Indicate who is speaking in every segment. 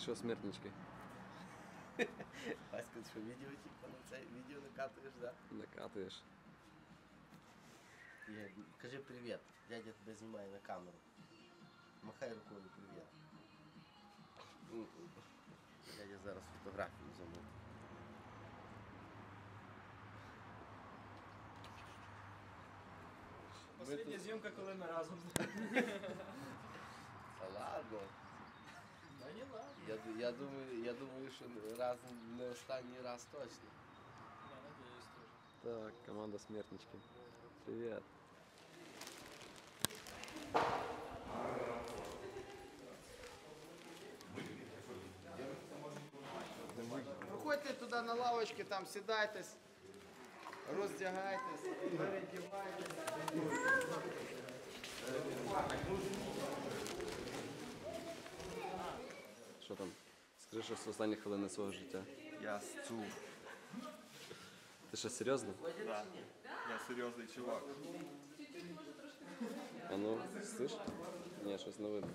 Speaker 1: Що, смертнички?
Speaker 2: Васька, що відео, типу, на це відео накатуєш, да?
Speaker 1: Накатуєш.
Speaker 2: Кажи привіт, дядя тебе знімає на камеру. Махай рукою привіт. Дядя зараз фотографію замовив.
Speaker 3: Последня зйомка, коли ми разом.
Speaker 2: Та ладно.
Speaker 3: Та не ладно.
Speaker 2: Я думаю, що не останній раз точно.
Speaker 3: Я надіюсь теж.
Speaker 1: Так, команда смертнички. Привет.
Speaker 4: Проходьте туди на лавочки, там сідайтесь, роздягайтесь, передівайтесь.
Speaker 1: Що там? Скажи щось з останні хвилини свого життя.
Speaker 5: Я сцув.
Speaker 1: Ти що, серйозно?
Speaker 5: Да. Я серйозний чувак.
Speaker 1: А ну, слиш? Ні, щось не видно.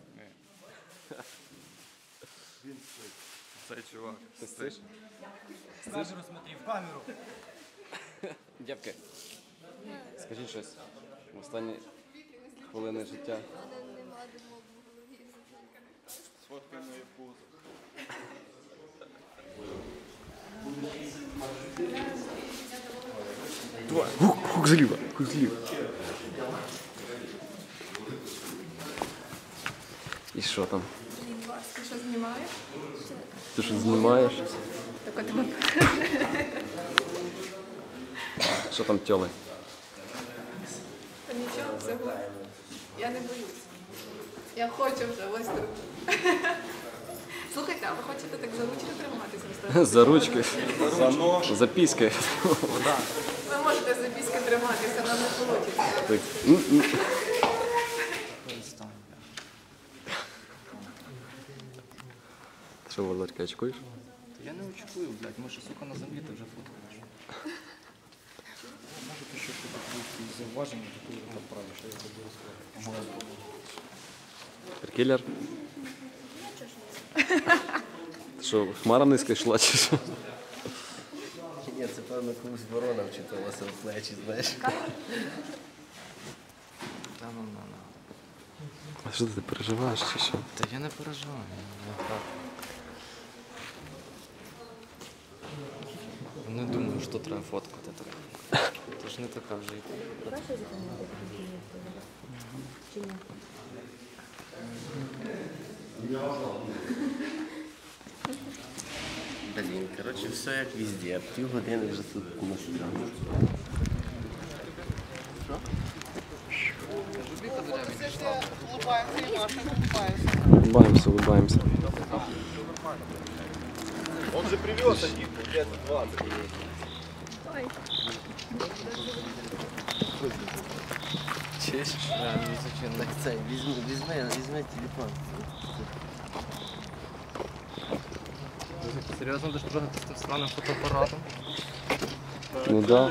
Speaker 5: Він спить. Цей чувак.
Speaker 1: Ти слиш?
Speaker 3: В камеру смотри, в камеру.
Speaker 1: Дівки, скажіть щось. В останні хвилини життя.
Speaker 6: мене нема думок в голові.
Speaker 5: Сфоткай моє пузо.
Speaker 1: Давай, хук зліва, хук зліва. І що там?
Speaker 6: Блін, Вась, ти що знімаєш?
Speaker 1: Ти що знімаєш?
Speaker 6: Так от тебе.
Speaker 1: Що там тьоли?
Speaker 6: Та нічого, все гуляє. Я не боюсь. Я хочу вже, ось тут. Слухайте, а ви хочете так за ручки триматися?
Speaker 1: За ручки,
Speaker 5: За нож.
Speaker 1: за піськи.
Speaker 6: Ви можете за піски триматися, нам не вийде.
Speaker 1: Так. Що, Володька, очкуєш?
Speaker 7: Я не очікую, блядь, може, сука, на землі ти вже фоткаєш. Може, ти ще тут якісь зауваження, то ти там правиш, що я забув сказати.
Speaker 1: Кілер? Ти що, хмара низько йшла чи що?
Speaker 2: Ні, це певно комусь ворона вчиталася в плечі, знаєш.
Speaker 7: Та ну.
Speaker 1: А що ти переживаєш чи що?
Speaker 7: Та я не переживаю, я так. Не думаю, що треба фоткати так. Це ж не така вже і
Speaker 2: Блін, коротше, все як везде. Півгодини вже тут на стрімі.
Speaker 1: Улыбаємося, улыбаємося.
Speaker 5: Он же привез таких, лет 20.
Speaker 2: Чуєш? Так це, візьми телефон.
Speaker 7: Серйозно, ти ж трогати з тим странним фотоапаратом?
Speaker 1: Ну да.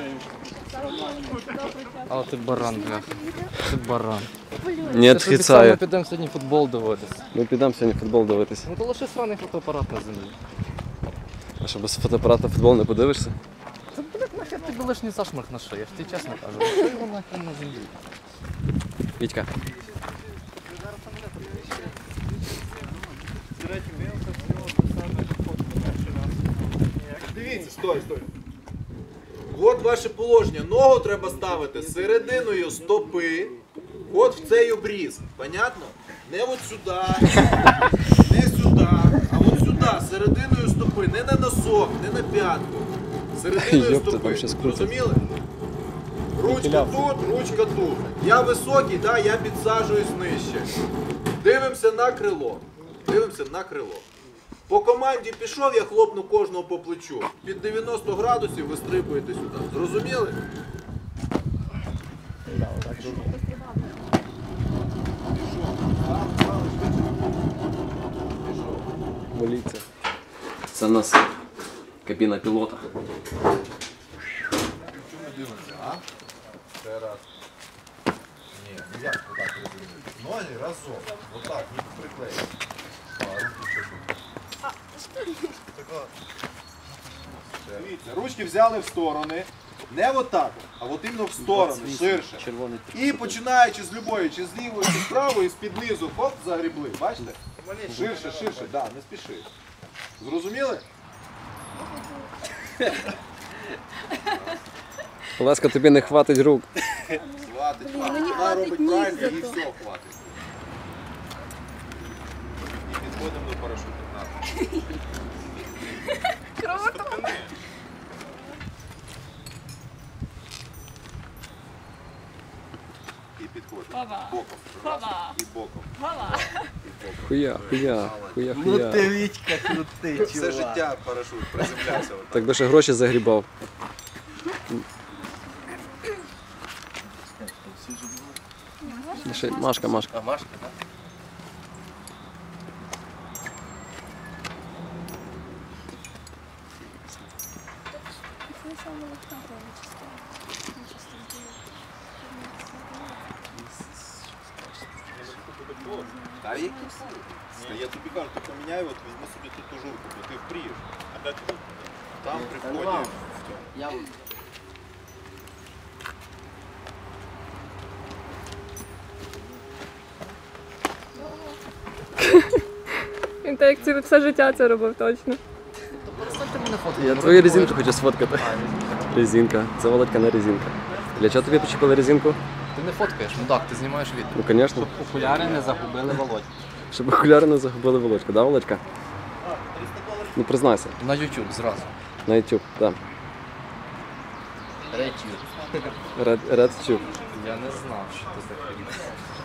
Speaker 7: А ти баран, бляха. Ти баран.
Speaker 1: Не
Speaker 7: Ми
Speaker 1: відхицаю.
Speaker 7: підемо сьогодні футбол дивитися.
Speaker 1: Ми підемо сьогодні футбол дивитися.
Speaker 7: Ну то лише сраний фотоапарат на землі.
Speaker 1: А що, без фотоапарата футбол не подивишся?
Speaker 7: Та, блядь, нахер тобі лишній зашмарк на шиї, я ж тобі чесно кажу. Що його нахер на землі?
Speaker 1: Вітька.
Speaker 5: Дивіться, стой. От ваше положення. Ногу треба ставити серединою стопи. От в цей обріз. Понятно? Не от сюди, не сюди, а от сюди, серединою стопи. Не на носок, не на п'ятку. Серединою
Speaker 1: Йопта, там
Speaker 5: стопи.
Speaker 1: щас крутить.
Speaker 5: Зрозуміли? Ручка тут, ручка тут. Я високий, да, я підсаджуюсь нижче. Дивимося на крило. Дивимося на крило. По команді пішов, я хлопну кожного по плечу. Під 90 градусів ви стрибуєте сюди. Зрозуміли?
Speaker 1: Моліться. Це у нас кабіна пілота.
Speaker 5: Ще раз. Ні, як отак розумієте? Ноги разом. Отак, їх приклеїти. А, руки чуть. Дивіться, ручки взяли в сторони. Не отак, а от іменно в сторони, ширше.
Speaker 1: Червоний.
Speaker 5: І починаючи з любої, чи з лівої, чи з правої, з-під низу, хоп, загрібли. Бачите? Ширше, ширше, да, не спіши. Зрозуміли?
Speaker 1: Олеська, тобі не хватить рук.
Speaker 5: Хватить,
Speaker 6: мені
Speaker 5: вона
Speaker 6: хватить
Speaker 5: робить
Speaker 6: ніг
Speaker 5: правильно,
Speaker 6: зато.
Speaker 5: і все хватить. І підходимо до парашуту.
Speaker 6: Круто!
Speaker 5: І підходимо.
Speaker 6: Баба.
Speaker 5: Боком. Раз,
Speaker 6: Баба.
Speaker 5: і боком.
Speaker 6: Баба.
Speaker 1: Хуя, хуя, хуя,
Speaker 2: Ну
Speaker 1: хуя.
Speaker 2: ти Вітька крутий,
Speaker 5: Все
Speaker 2: чувак.
Speaker 5: життя парашут приземлявся. отак.
Speaker 1: Так би ще гроші загрібав. Ще Машка, Машка.
Speaker 2: А Машка, так?
Speaker 5: Та які? Та я тобі кажу, ти поміняй, от візьми собі ту тужурку, бо ти впрієш. А де ти? Там при вході в цьому.
Speaker 2: Я
Speaker 6: Він так як це все життя це робив точно.
Speaker 7: Перестаньте мене фоткати.
Speaker 1: Я твою резинку хочу сфоткати. Резинка. Це Володька не резинка. Для чого тобі почепили резинку?
Speaker 7: Ти не фоткаєш, мудак, ти знімаєш відео.
Speaker 1: Ну, звісно.
Speaker 7: Окуляри не загубили Володь.
Speaker 1: Щоб окуляри не загубили Володька, да, Володька? Ну признайся.
Speaker 7: На YouTube зразу.
Speaker 1: На YouTube, так.
Speaker 7: Речі.
Speaker 1: RedTube.
Speaker 7: Я не знав, що це за хрень.